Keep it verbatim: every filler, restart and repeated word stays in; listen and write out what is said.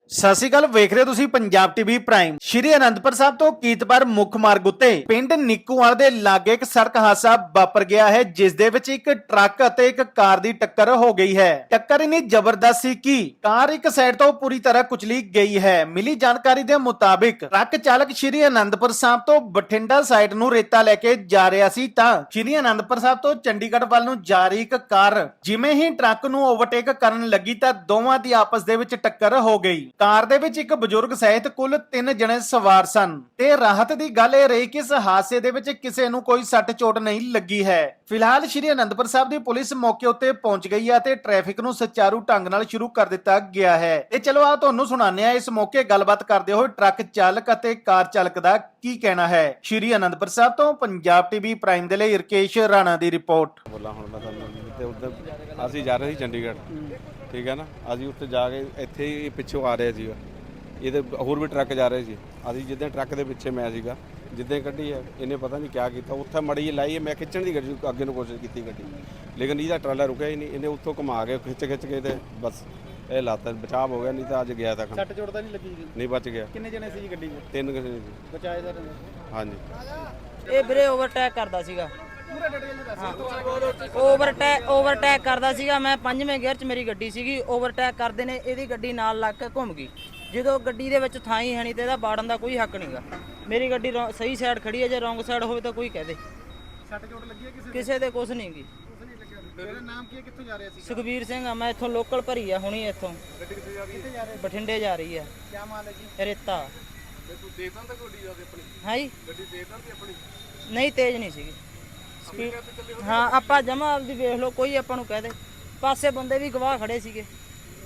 ਸਤਿ ਸ਼੍ਰੀ ਅਕਾਲ, ਵੇਖ ਰਹੇ ਹੋ ਤੁਸੀਂ ਪੰਜਾਬ ਟੀਵੀ ਪ੍ਰਾਈਮ। ਸ਼੍ਰੀ ਅਨੰਦਪੁਰ ਸਾਹਿਬ ਤੋਂ ਕੀਤਪੁਰ ਮੁੱਖ ਮਾਰਗ ਉੱਤੇ ਪਿੰਡ ਨਿੱਕੂਵਾਲ ਦੇ ਲਾਗੇ ਇੱਕ ਸੜਕ ਹਾਦਸਾ ਵਾਪਰ ਗਿਆ ਹੈ, ਜਿਸ ਦੇ ਵਿੱਚ ਇੱਕ ਟਰੱਕ ਅਤੇ ਇੱਕ ਕਾਰ ਦੀ ਟੱਕਰ ਹੋ ਗਈ ਹੈ। ਟੱਕਰ ਇੰਨੀ ਜ਼ਬਰਦਸਤ ਸੀ ਕਿ ਕਾਰ ਇੱਕ ਸਾਈਡ ਤੋਂ ਪੂਰੀ ਤਰ੍ਹਾਂ ਕੁਚਲੀ ਗਈ ਹੈ। ਮਿਲੀ ਜਾਣਕਾਰੀ ਦੇ ਮੁਤਾਬਿਕ ਟਰੱਕ ਚਾਲਕ ਸ਼੍ਰੀ ਅਨੰਦਪੁਰ ਸਾਹਿਬ ਤੋਂ ਬਠਿੰਡਾ ਸਾਈਡ ਨੂੰ ਰੇਤਾ ਲੈ ਕੇ ਜਾ ਰਿਹਾ ਸੀ ਤਾਂ ਸ਼੍ਰੀ ਅਨੰਦਪੁਰ ਸਾਹਿਬ ਤੋਂ ਚੰਡੀਗੜ੍ਹ ਵੱਲ ਨੂੰ ਜਾ ਰਹੀ ਇੱਕ ਕਾਰ ਜਿਵੇਂ ਹੀ ਟਰੱਕ ਨੂੰ ਓਵਰਟੇਕ ਕਰਨ ਲੱਗੀ ਤਾਂ ਦੋਵਾਂ ਦੀ ਆਪਸ ਦੇ ਵਿੱਚ ਟੱਕਰ ਹੋ ਗਈ। ਕਾਰ ਦੇ ਵਿੱਚ ਇੱਕ ਬਜ਼ੁਰਗ ਸਹਿਤ ਕੁੱਲ ਤਿੰਨ ਜਣੇ ਸਵਾਰ ਸਨ ਤੇ ਰਾਹਤ ਦੀ ਗੱਲ ਇਹ ਰਹੀ ਕਿ ਇਸ ਹਾਦਸੇ ਦੇ ਵਿੱਚ ਕਿਸੇ ਨੂੰ ਕੋਈ ਸੱਟ ਚੋਟ ਨਹੀਂ ਲੱਗੀ ਹੈ। ਫਿਲਹਾਲ ਸ਼੍ਰੀ ਅਨੰਦਪੁਰ ਸਾਹਿਬ ਦੀ ਪੁਲਿਸ ਮੌਕੇ ਉੱਤੇ ਪਹੁੰਚ ਗਈ ਹੈ ਤੇ ਟ੍ਰੈਫਿਕ ਨੂੰ ਸੁਚਾਰੂ ਢੰਗ ਨਾਲ ਸ਼ੁਰੂ ਕਰ ਦਿੱਤਾ ਗਿਆ ਹੈ। ਤੇ ਚਲੋ ਆ ਤੁਹਾਨੂੰ ਸੁਣਾਉਂਦੇ ਆ ਇਸ ਮੌਕੇ ਗੱਲਬਾਤ ਕਰਦੇ ਹੋਏ ਟਰੱਕ ਚਾਲਕ ਅਤੇ ਕਾਰ ਚਾਲਕ ਦਾ ਕੀ ਕਹਿਣਾ ਹੈ। ਸ਼੍ਰੀ ਅਨੰਦਪੁਰ ਸਾਹਿਬ ਤੋਂ ਪੰਜਾਬ ਟੀਵੀ ਪ੍ਰਾਈਮ ਦੇ ਲਈ ਰਕੇਸ਼ ਰਾਣਾ ਦੀ ਰਿਪੋਰਟ। ਬੋਲਾਂ ਹੁਣ ਮੈਂ ਤੁਹਾਨੂੰ ਤੇ ਉਧਰ ਅਸੀਂ ਜਾ ਰਹੇ ਸੀ ਚੰਡੀਗੜ੍ਹ, ਠੀਕ ਹੈ ਨਾ। ਅਸੀਂ ਉੱਥੇ ਜਾ ਕੇ ਇੱਥੇ ਹੀ ਪਿੱਛੋਂ ਆ ਰਹੇ ਸੀਗਾ, ਇਹਦੇ ਹੋਰ ਵੀ ਟਰੱਕ ਜਾ ਰਹੇ ਸੀ। ਅਸੀਂ ਜਿੱਦਾਂ ਟਰੱਕ ਦੇ ਪਿੱਛੇ ਮੈਂ ਸੀਗਾ, ਜਿੱਦਾਂ ਕੱਢੀ ਹੈ ਇਹਨੇ ਪਤਾ ਨਹੀਂ ਕਿਆ ਕੀਤਾ, ਉੱਥੇ ਮੜੀ ਜਿਹੀ ਲਾਈ, ਮੈਂ ਖਿੱਚਣ ਦੀ ਗੱਡੀ ਅੱਗੇ ਨੂੰ ਕੋਸ਼ਿਸ਼ ਕੀਤੀ ਗੱਡੀ, ਲੇਕਿਨ ਇਹਦਾ ਟਰਾਲਾ ਰੁਕਿਆ ਹੀ ਨਹੀਂ। ਇਹਨੇ ਉੱਥੋਂ ਘੁਮਾ ਕੇ ਖਿੱਚ ਖਿੱਚ ਕੇ ਤੇ ਬਸ ਇਹ ਲਾਤਾ, ਬਚਾਅ ਹੋ ਗਿਆ, ਨਹੀਂ ਤਾਂ ਅੱਜ ਗਿਆ ਤਾਂ ਸੱਟ ਚੋਟ ਤਾਂ ਨਹੀਂ ਲੱਗੀ? ਨਹੀਂ, ਬਚ ਗਿਆ। ਕਿੰਨੇ ਜਣੇ ਸੀ ਗੱਡੀ 'ਚ? ਤਿੰਨ ਕਿਸੇ ਸੀ ਬਚਾਏ ਦਾ? ਹਾਂਜੀ। ਇਹ ਵੀਰੇ ਓਵਰਟੇਕ ਕਰਦਾ ਸੀਗਾ, ਓਵਰਟੇਕ ਓਵਰਟੇਕ ਕਰਦਾ ਸੀਗਾ। ਮੈਂ ਪੰਜਵੇਂ ਗੇਅਰ 'ਚ ਮੇਰੀ ਗੱਡੀ ਸੀਗੀ, ਓਵਰਟੇਕ ਕਰਦੇ ਨੇ ਇਹਦੀ ਗੱਡੀ ਨਾਲ ਲੱਗ ਕੇ ਘੁੰਮ ਗਈ। ਜਦੋਂ ਗੱਡੀ ਦੇ ਵਿੱਚ ਥਾਂ ਹੀ ਹੈ ਨਹੀਂ ਤੇ ਇਹਦਾ ਬਾੜਨ ਦਾ ਕੋਈ ਹੱਕ ਨਹੀਂਗਾ। ਮੇਰੀ ਗੱਡੀ ਸਹੀ ਸਾਈਡ ਖੜੀ ਹੈ, ਜੇ ਰੋਂਗ ਸਾਈਡ ਹੋਵੇ ਤਾਂ ਕੋਈ ਕਹਿ ਦੇ। ਸੱਟ ਚੋਟ ਲੱਗੀ ਹੈ ਕਿਸੇ ਕਿਸੇ ਦੇ ਕੁਝ ਨਹੀਂ ਗੀ। ਤੇਰਾ ਨਾਮ ਕੀ ਹੈ, ਕਿੱਥੋਂ ਜਾ ਰਿਹਾ ਸੀ? ਸੁਖਬੀਰ ਸਿੰਘ ਆ, ਮੈਂ ਇੱਥੋਂ ਲੋਕਲ ਭਰੀ ਆ, ਹੁਣੀ ਇੱਥੋਂ ਗੱਡੀ ਕਿੱਥੇ ਜਾ ਰਹੀ ਹੈ? ਬਠਿੰਡੇ ਜਾ ਰਹੀ ਆ। ਕੀ ਮਾਲ ਹੈ ਜੀ? ਰੇਤਾ। ਤੇ ਤੂੰ ਦੇਦਾਂ ਤਾਂ ਗੱਡੀ ਜਾ ਕੇ ਆਪਣੀ? ਹਾਂ ਜੀ, ਗੱਡੀ ਦੇਦਾਂ ਤੇ ਆਪਣੀ? ਨਹੀਂ ਤੇਜ਼ ਨਹੀਂ ਸੀਗੀ ਸਪੀਡ। ਹਾਂ ਆਪਾਂ ਜਮਾ ਆਪਦੀ ਵੇਖ ਲਓ, ਕੋਈ ਆਪਾਂ ਨੂੰ ਕਹਿ ਦੇ। ਪਾਸੇ ਬੰਦੇ ਵੀ ਗਵਾਹ ਖੜੇ ਸੀਗੇ।